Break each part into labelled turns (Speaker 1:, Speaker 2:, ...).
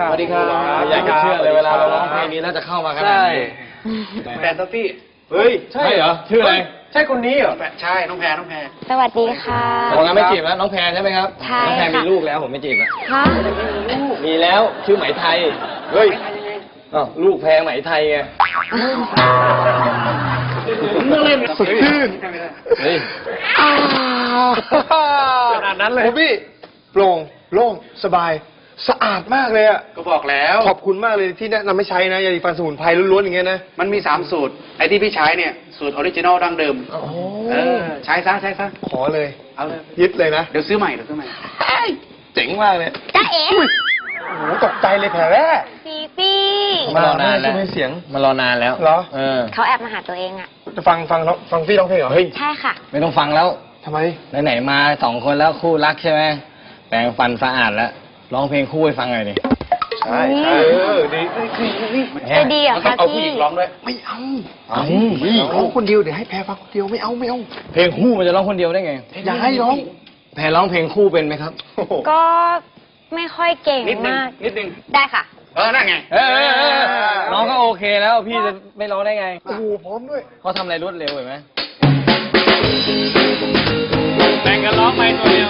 Speaker 1: สวัสดีครับ
Speaker 2: อยากจะเชื่อเลยเวลาเราร้องเพลงนี้แล้วจะเข้ามาขนาดนี้
Speaker 1: แฟนท็อฟฟี่
Speaker 2: เฮ้ยใช่เหรอชื่ออะไร
Speaker 1: ใช่คนนี้เหรอใช่น้องแพร
Speaker 3: สวัสดีค่ะ
Speaker 2: ผมงั้นไม่จีบแล้วน้องแพรใช่ไหมครับ
Speaker 3: ใช่
Speaker 2: น้องแพร
Speaker 3: ค่ะ
Speaker 2: มีลูกแล้วผมไม่จีบแล้ว
Speaker 3: ฮะ
Speaker 2: มีแล้วชื่อไหมไทยเฮ้ยอ้าวลูกแพรไหมไทยไง
Speaker 1: สดชื่น
Speaker 2: เฮ้ย
Speaker 1: ขนาดนั้นเลย
Speaker 4: โอ้พี่โปร่งโล่งสบายสะอาดมากเลยอ่ะ
Speaker 1: ก็บอกแล้ว
Speaker 4: ขอบคุณมากเลยที่แนะนำให้ใช้นะยาสีฟันสมุนไพรล้วนๆอย่างเงี้ยนะ
Speaker 1: มันมี3สูตรไอ้ที่พี่ใช้เนี่ยสูตรออริจินอลดั้งเดิม
Speaker 4: โอ้
Speaker 1: ใช้ซะ
Speaker 4: ขอเลย
Speaker 1: เอาเลย
Speaker 4: ยึดเลยนะ
Speaker 1: เดี๋ยวซื้อใหม่
Speaker 4: เจ๋งมากเลย
Speaker 3: จ้าเอ๋
Speaker 4: โอ้โหตกใจเลยแผลแรก
Speaker 3: ฟีฟี่
Speaker 2: มารอนานแล้ว
Speaker 4: ใช่ไหมเสียง
Speaker 2: มารอนานแล้ว
Speaker 4: เหรอ
Speaker 3: เขาแอบมาหาตัวเองอ่ะ
Speaker 4: จะฟังพี่ร้องเพลงเหรอ
Speaker 2: เฮ้ย
Speaker 3: ใช่ค่ะ
Speaker 2: ไม่ต้องฟังแล้ว
Speaker 4: ทำไม
Speaker 2: ไหนๆมา2 คนแล้วคู่รักใช่ไหมแปรงฟันสะอาดแล้วร้องเพลงคู่ให้ฟังหน่อยดิ
Speaker 4: ใช่ดี
Speaker 3: จะดีเหรอ
Speaker 1: มันต้อ
Speaker 3: คะ
Speaker 1: งเอาผู้
Speaker 3: พี่
Speaker 1: หญิงร้องด้วย
Speaker 4: ไม่เอา
Speaker 2: เอา
Speaker 4: ร้องคนเดียวเดี๋ยวให้แพรฟังคนเดียวไม่เอา
Speaker 2: เพลงคู่มันจะร้องคนเดียวได้ไง
Speaker 4: อย่าให้ร้อง
Speaker 2: แพรร้องเพลงคู่เป็นไหมครับ
Speaker 3: ก็ไม่ค่อยเก่ง
Speaker 1: นิดนึง
Speaker 3: มาก
Speaker 1: นิดนึง
Speaker 3: ได้ค่ะ
Speaker 1: นั่นไง
Speaker 2: น้องก็โอเคแล้วพี่จะไม่ร้องได้ไง
Speaker 4: โอ้โหพร้อมด้วย
Speaker 2: เขาทำอะไรรวดเร็วเห็นไหมแบ่งกันร้องไปตัวเดียว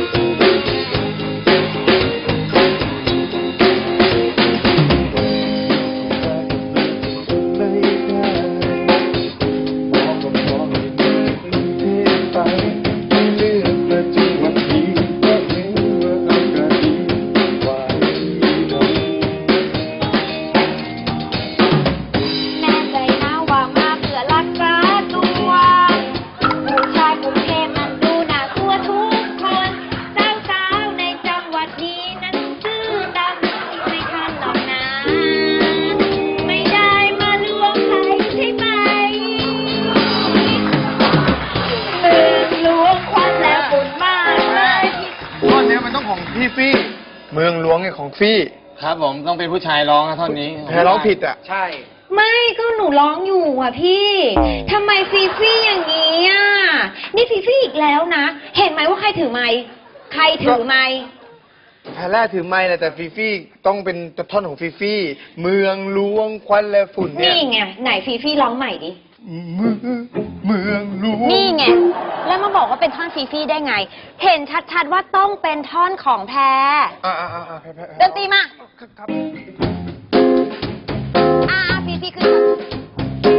Speaker 3: แน่ใจนะว่ามาเพื่อรักษาตัวผู้ชายกรุงเทพนั้นดูน่ากลัวทุกคนสาวๆในจังหวัดนี้นั้นซื่อดำไม่ทันหรอกนะ ไม่ได้มาลวงใครใช่ไหมลวงควันและฝุ่นมากเลย
Speaker 4: ท่อนเนี้ยมันต้องของพี่ฟี่เมืองหลวงไงของฟี่
Speaker 2: ครับผมต้องเป็นผู้ชายร้องนะท่อนนี้
Speaker 4: แพรร้องผิดอ่ะ
Speaker 1: ใช่
Speaker 3: ไม่ก็หนูร้องอยู่อ่ะพี่ทำไมฟีฟี่อย่างนี้อ่ะนี่ฟีฟี่อีกแล้วนะ เห็นไหมว่าใครถือไม้ใครถือไม้
Speaker 4: แพรแรกถือไม้แหละแต่ฟีฟี่ต้องเป็นท่อนของฟีฟี่เมืองหลวงควันและฝุ่นเนี่ย
Speaker 3: นี่ไงไหนฟีฟี่ร้องใหม่ดิ
Speaker 4: เมืองหลวง
Speaker 3: นี่ไงแล้วมาบอกว่าเป็นท่อนฟีฟี่ได้ไง เห็นชัดๆว่าต้องเป็นท่อนของแพร
Speaker 4: แพร
Speaker 3: ดนตรีมา
Speaker 4: ครับ
Speaker 3: ฟีฟี่ขึ้น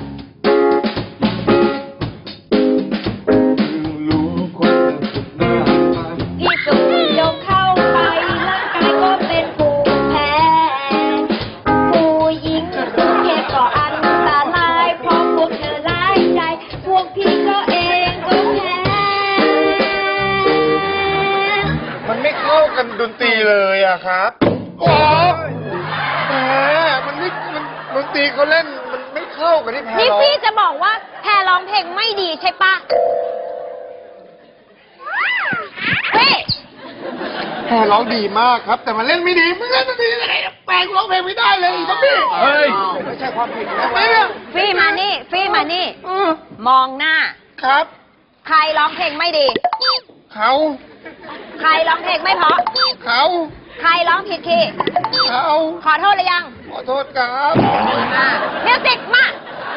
Speaker 3: พี่สูดดมเข้าไปร่างกายก็เป็นภูมิแพ้ ผู้หญิงกรุงเทพก็อันตรายเพราะพวกเธอร้ายใจ พวกพี่ก็เองก็แพ้
Speaker 4: มันไม่เข้ากันดนตรีเลยอะครับโอ้ยแหมมันไม่มันดนตรีเขาเล่นมันไม่เข้ากับที่แพร
Speaker 3: นี่
Speaker 4: ร้อง
Speaker 3: พี่จะบอกว่าแพรร้องเพลงไม่ดีใช่ปะเฮ้ย
Speaker 4: แพรร้องดีมากครับ แต่มันเล่นไม่ดีมึงเล่นดนตรียังไงแปลงร้องเพลงไม่ได้เลยอีกพี่
Speaker 2: เฮ้ย
Speaker 4: ไม่ใช่ความผิดทำไมอะ
Speaker 3: ฟี่มานี่ฟี่มานี่ มองหน้า
Speaker 4: ครับ
Speaker 3: ใครร้องเพลงไม่ดี
Speaker 4: เขา
Speaker 3: ใครร้องเพลงไม่เพราะ
Speaker 4: เขา
Speaker 3: ใครร้องผิดคีย์
Speaker 4: เขา
Speaker 3: ขอโทษหรือยัง
Speaker 4: ขอโทษครับ
Speaker 3: มามิวสิกมา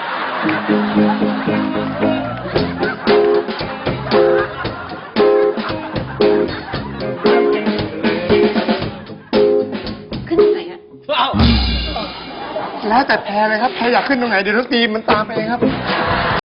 Speaker 3: ขึ้นตรงไหนอะ
Speaker 4: แล้วแต่แพรเลยครับแพรอยากขึ้นตรงไหนเดี๋ยวดนตรีมันตามไปเองครับ